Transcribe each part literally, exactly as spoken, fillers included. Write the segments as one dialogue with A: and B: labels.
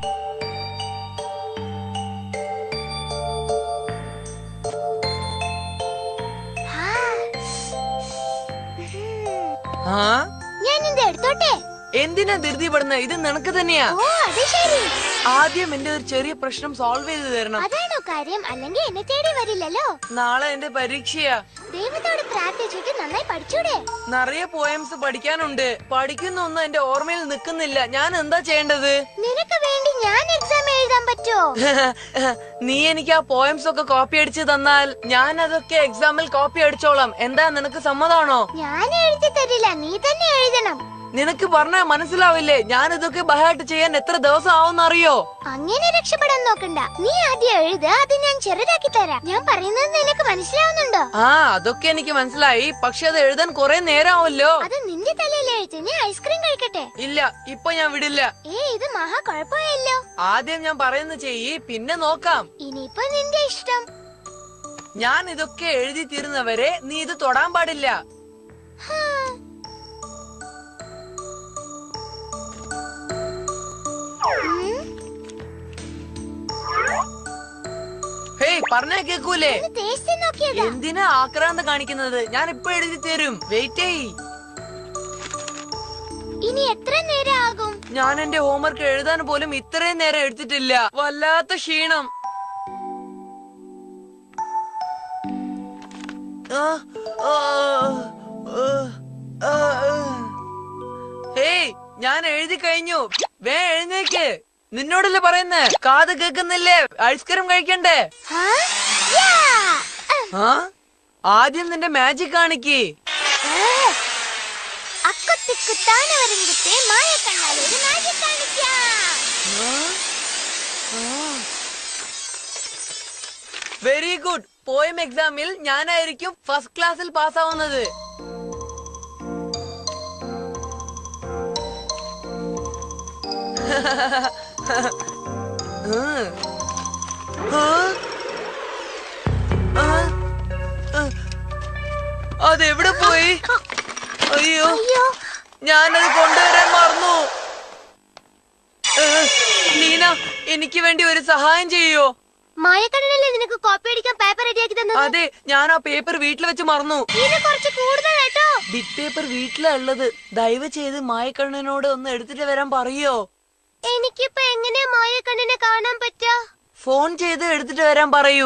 A: ഞാനിത് എടുത്തോട്ടെ.
B: എന്തിനാ ധൃതിപ്പെടുന്ന? ഇത് നിനക്ക് തന്നെയാ.
A: ഓ അത് ശരി.
B: ആദ്യം എന്റെ ഒരു ചെറിയ പ്രശ്നം സോൾവ് ചെയ്ത് തരണം.
A: അതാണോ കാര്യം? അല്ലെങ്കിൽ എന്നെ തേടി വരില്ലല്ലോ.
B: നാളെ എന്റെ പരീക്ഷയാ.
A: ദൈവത്തോട് പ്രാർത്ഥിച്ചിട്ട് നന്നായി പഠിച്ചൂടെ?
B: നിറയെ പോയംസ് പഠിക്കാനുണ്ട്. പഠിക്കുന്ന ഒന്നും എന്റെ ഓർമ്മയിൽ നിൽക്കുന്നില്ല. ഞാൻ എന്താ ചെയ്യേണ്ടത്?
A: നിനക്ക് വേണ്ടി ഞാൻ എക്സാം എഴുതാൻ പറ്റുമോ?
B: നീ എനിക്ക് ആ പോയംസ് ഒക്കെ കോപ്പി അടിച്ച് തന്നാൽ ഞാൻ അതൊക്കെ എക്സാമിൽ കോപ്പി അടിച്ചോളാം. എന്താ, നിനക്ക് സമ്മതാണോ?
A: ഞാൻ എഴുതി തരില്ല, നീ തന്നെ എഴുതണം.
B: നിനക്ക് പറഞ്ഞാ മനസ്സിലാവില്ലേ? ഞാൻ ഇതൊക്കെ ബഹായിട്ട് ചെയ്യാൻ എത്ര ദിവസം ആവുന്നറിയോ?
A: അങ്ങനെ രക്ഷപ്പെടാൻ നോക്കണ്ട. നീ ആദ്യം എഴുത്, അത് ഞാൻ ചെറുതാക്കി തരാം. ഞാൻ പറയുന്നത് നിനക്ക് മനസ്സിലാവുന്നുണ്ടോ?
B: ആ, അതൊക്കെ എനിക്ക് മനസ്സിലായി. പക്ഷെ അത് എഴുതാൻ കുറെ നേരമാവല്ലോ.
A: അത് നിന്റെ തലയിൽ എഴുതി. നീ ഐസ്ക്രീം കഴിക്കട്ടെ?
B: ഇല്ല, ഇപ്പൊ ഞാൻ വിടില്ല.
A: ഏ ഇത് മഹാ കുഴപ്പമായല്ലോ.
B: ആദ്യം ഞാൻ പറയുന്നത് ചെയ്യ്, പിന്നെ നോക്കാം.
A: ഇനിയിപ്പോ നിന്റെ ഇഷ്ടം.
B: ഞാൻ ഇതൊക്കെ എഴുതി തീരുന്നവരെ നീ ഇത് തൊടാൻ പാടില്ല. ഹേയ്, പറഞ്ഞാ കേക്കൂലേ? എന്തിനാ ആക്രാന്തം കാണിക്കുന്നത്? ഞാൻ ഇപ്പൊ എഴുതി തരും. വെയിറ്റ് ചെയ്.
A: ഇനി എത്ര നേരം ആകും?
B: ഞാൻ എന്റെ ഹോംവർക്ക് എഴുതാൻ പോലും ഇത്രയും നേരം എടുത്തിട്ടില്ല. വല്ലാത്ത ക്ഷീണം. ഹേയ്, ഞാൻ എഴുതി കഴിഞ്ഞു. വേ എഴുന്നേക്ക്. നിന്നോടല്ലേ പറയുന്നേ? കാത് കേക്കുന്നില്ലേ? ഐസ്ക്രീം കഴിക്കണ്ടേ? ആ, ആദ്യം നിന്റെ മാജിക് കാണിക്ക്. Very good. പോയം എക്സാമിൽ ഞാനായിരിക്കും ഫസ്റ്റ് ക്ലാസ്സിൽ പാസ്സാവുന്നത്. അതെവിടെ പോയി? അയ്യോ, ഞാനത് കൊണ്ടുവരാൻ മറന്നു. ലീന, എനിക്ക് വേണ്ടി ഒരു സഹായം ചെയ്യോ?
A: മായക്കണ്ണനല്ലേ നിനക്ക് കോപ്പി അടിക്കാൻ പേപ്പർ റെഡിയാക്കി തന്നത്?
B: അതെ, ഞാൻ ആ പേപ്പർ വീട്ടിൽ വെച്ച് മറന്നു. ബിറ്റ് പേപ്പർ വീട്ടിലാ ഉള്ളത്. ദയവ് ചെയ്ത് മായക്കണ്ണനോട് ഒന്ന് എടുത്തിട്ട് വരാൻ പറയോ?
A: എനിക്കിപ്പോ എങ്ങനെയാ മായക്കണ്ണനെ കാണാൻ പറ്റാ?
B: ഫോൺ ചെയ്ത് എടുത്തിട്ട് വരാൻ പറയൂ.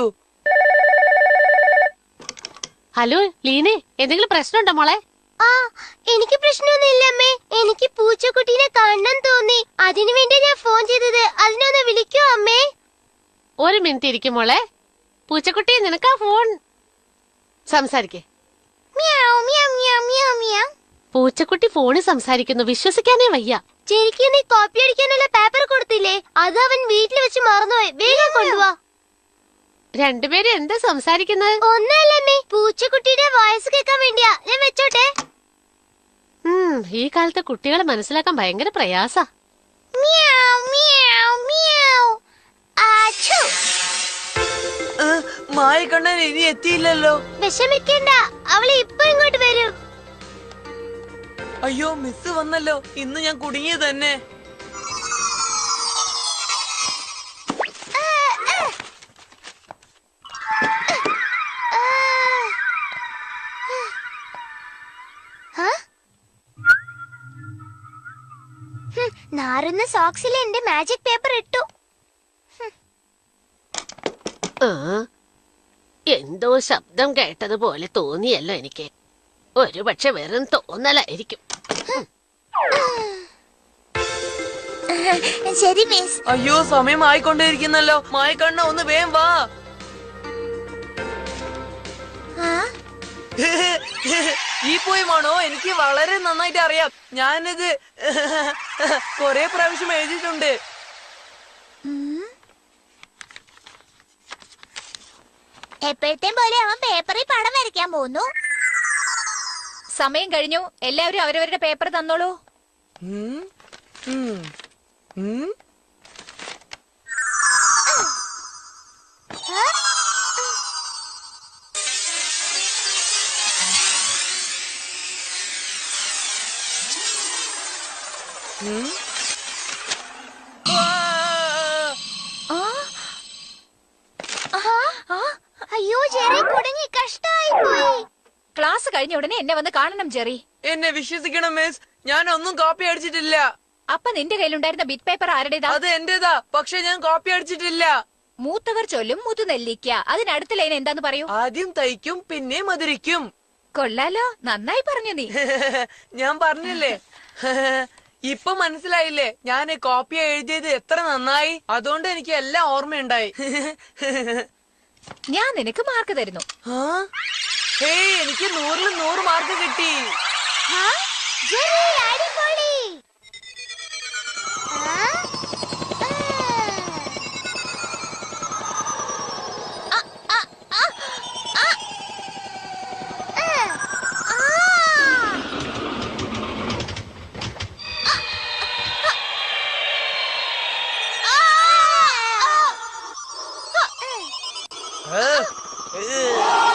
C: ഹലോ ലീനെ, എന്തെങ്കിലും പ്രശ്നമുണ്ടോ മോളെ?
A: ആ, എനിക്ക് പ്രശ്നമൊന്നുമില്ല അമ്മേ. എനിക്ക് പൂച്ചക്കുട്ടീനെ കാണാൻ തോന്നി. അതിനു വേണ്ടി ഞാൻ ഫോൺ ചെയ്തത്. അതിനൊന്ന് വിളിക്കോ അമ്മേ?
C: ഒരു മിനിറ്റ് ഇരിക്കും മോളെ. പൂച്ചക്കുട്ടി, നിനക്കാ ഫോൺ. സംസാരിക്കേ. പൂച്ചക്കുട്ടി ഫോണിൽ സംസാരിക്കുന്നു. വിശ്വസിക്കാനേ വയ്യ.
A: ശരിക്കും നീ കോപ്പി അടിക്കാനുള്ള പേപ്പർ കൊടുത്തില്ലേ? അത് അവൻ വീട്ടിൽ വെച്ച് മറന്നുപോയി. വേഗം കൊണ്ടുവാ.
C: രണ്ടുപേരും എന്താ സംസാരിക്കുന്നത്?
A: ഒന്നല്ലേ, പൂച്ചക്കുട്ടിയുടെ വോയിസ് കേൾക്കാൻ വേണ്ടിയാ. ഞാൻ വെച്ചോട്ടെ.
C: ഉം ഈ കാലത്തെ കുട്ടികളെ മനസ്സിലാക്കാൻ ഭയങ്കര പ്രയാസാ.
B: മായക്കണ്ണൻ ഇനി എത്തിയില്ലല്ലോ.
A: വിഷമിക്കണ്ട, അവളെ ഇപ്പൊ ഇങ്ങോട്ട് വരും.
B: അയ്യോ, മിസ് വന്നല്ലോ. ഇന്ന് ഞാൻ കുടുങ്ങിയത് തന്നെ.
A: നാറുന്ന സോക്സിൽ എന്റെ മാജിക് പേപ്പർ ഇട്ടു.
C: എന്തോ ശബ്ദം കേട്ടതുപോലെ തോന്നിയല്ലോ എനിക്ക്. ഒരു പക്ഷെ വെറും തോന്നലായിരിക്കും.
A: ശരി മിസ്.
B: അയ്യോ, സമയം ആയിക്കൊണ്ടിരിക്കുന്നല്ലോ. മായക്കണ്ണ, ഒന്ന് വേഗം വാ. ഈ പോയമാണോ? എനിക്ക് വളരെ നന്നായിട്ട് അറിയാം. ഞാനിത് കൊറേ പ്രാവശ്യം എഴുതിയിട്ടുണ്ട്.
A: എപ്പോഴത്തെ പോലെ അവൻ പേപ്പറിൽ പടം വരയ്ക്കാൻ പോകുന്നു.
D: സമയം കഴിഞ്ഞു. എല്ലാവരും അവരവരുടെ പേപ്പർ തന്നോളൂ. കഴിഞ്ഞ ഉടനെ എന്നെ വന്ന് കാണണം ജെറി.
B: എന്നെ വിശ്വസിക്കണം മിസ്, ഞാൻ ഒന്നും കോപ്പി അടിച്ചിട്ടില്ല.
D: അപ്പൊ നിന്റെ കയ്യിലുണ്ടായിരുന്ന ബിറ്റ് പേപ്പർ ആരുടേതാ?
B: അത് എന്റേതാ, പക്ഷെ ഞാൻ കോപ്പി അടിച്ചിട്ടില്ല.
D: മൂത്തവർ ചൊല്ലും മുതുനെല്ലിക്ക. അതിനടുത്ത ലൈൻ എന്താന്ന് പറയൂ.
B: ആദ്യം തയ്ക്കും പിന്നെ മധുരിക്കും.
D: കൊള്ളാലോ, നന്നായി പറഞ്ഞു നീ.
B: ഞാൻ പറഞ്ഞില്ലേ. ഇപ്പൊ മനസ്സിലായില്ലേ ഞാൻ കോപ്പി എഴുതിയത് എത്ര നന്നായി. അതുകൊണ്ട് എനിക്ക് എല്ലാം ഓർമ്മയുണ്ടായി.
D: ഞാൻ നിനക്ക് മാർക്ക് തരുന്നു.
B: ആ? ഹേയ്, എനിക്ക് നൂറിൽ നൂറ് മാർക്ക് കിട്ടി.
A: ഹാ? ജെറി, അടിപൊളി. ആ? ആ. ആ, ആ, ആ, ആ. ആ.
B: ഏ, ഏ.